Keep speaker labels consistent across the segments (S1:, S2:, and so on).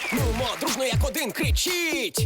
S1: Нумо, дружно як один, кричіть!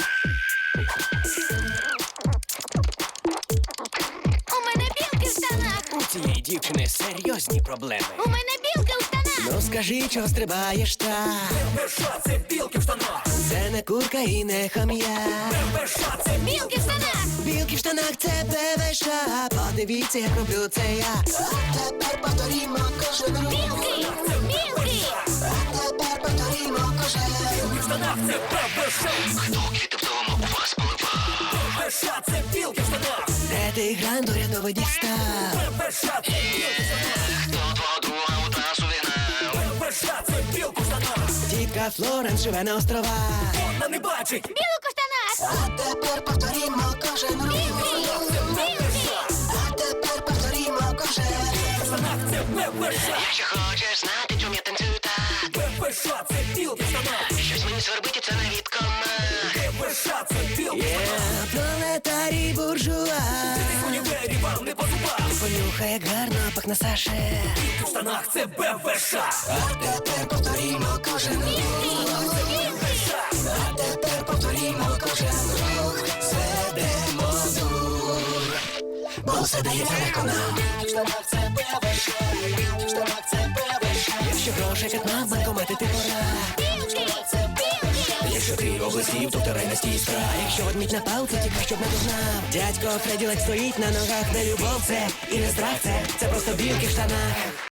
S2: У мене білки в штанах!
S1: У цієї дівчини серйозні проблеми.
S2: У мене білки в штанах!
S1: Ну скажи, чого стрибаєш так?
S3: Що це білки в штанах?
S1: Це не курка і не хам'я.
S3: Що це
S2: Білки в штанах!
S1: Білки в штанах це ПВШ. Подивіться, як роблю це я. А тепер повторімо кожен рух.
S2: Білки! Білки!
S1: А тепер повторімо кожен рух.
S3: в штанах? Це ПВШ.
S4: Хто квіти вдома у вас поливав?
S3: ПВШ це білки в штанах.
S1: Де ти гран до рядовий дістав?
S3: ПВШ це білки в штанах.
S4: Хто твого друга у трасу вігнав?
S3: ПВШ це білки в штанах.
S1: Тітка Флоренс живе на островах.
S3: Вона не бачить.
S2: Білок у штанах!
S1: А тепер повторімо кожен рух.
S2: Білки!
S1: А тепер повторімо кожен рух.
S3: В штанах це ПВШ.
S4: Якщо хочеш знати, чому я танцюю так,
S3: ПВШ це білки в штанах.
S4: щось мені свербить, і це не від комах.
S3: ПВШ це білки в штанах.
S1: Пролетарій буржуа.
S3: В універі вам не по зубах.
S1: Понюхай, як гарно пахне Саше.
S3: Білки в штанах це ПВШ.
S1: А тепер повторімо кожен рух. А тепер повторімо кожен рух. Зведемо дур, бо все дається легко нам. В штанах це ПВШ. В штанах це ПВШ. Якщо грошей катна, банкомати ти пора.
S2: Білки!
S1: Якщо ти облизів, то вторай на стій страх. Якщо ведмідь на палці, тікай, щоб не дознав. Дядько Фредді ледь стоїть на ногах. Не любов це і не страх це просто білки в штанах.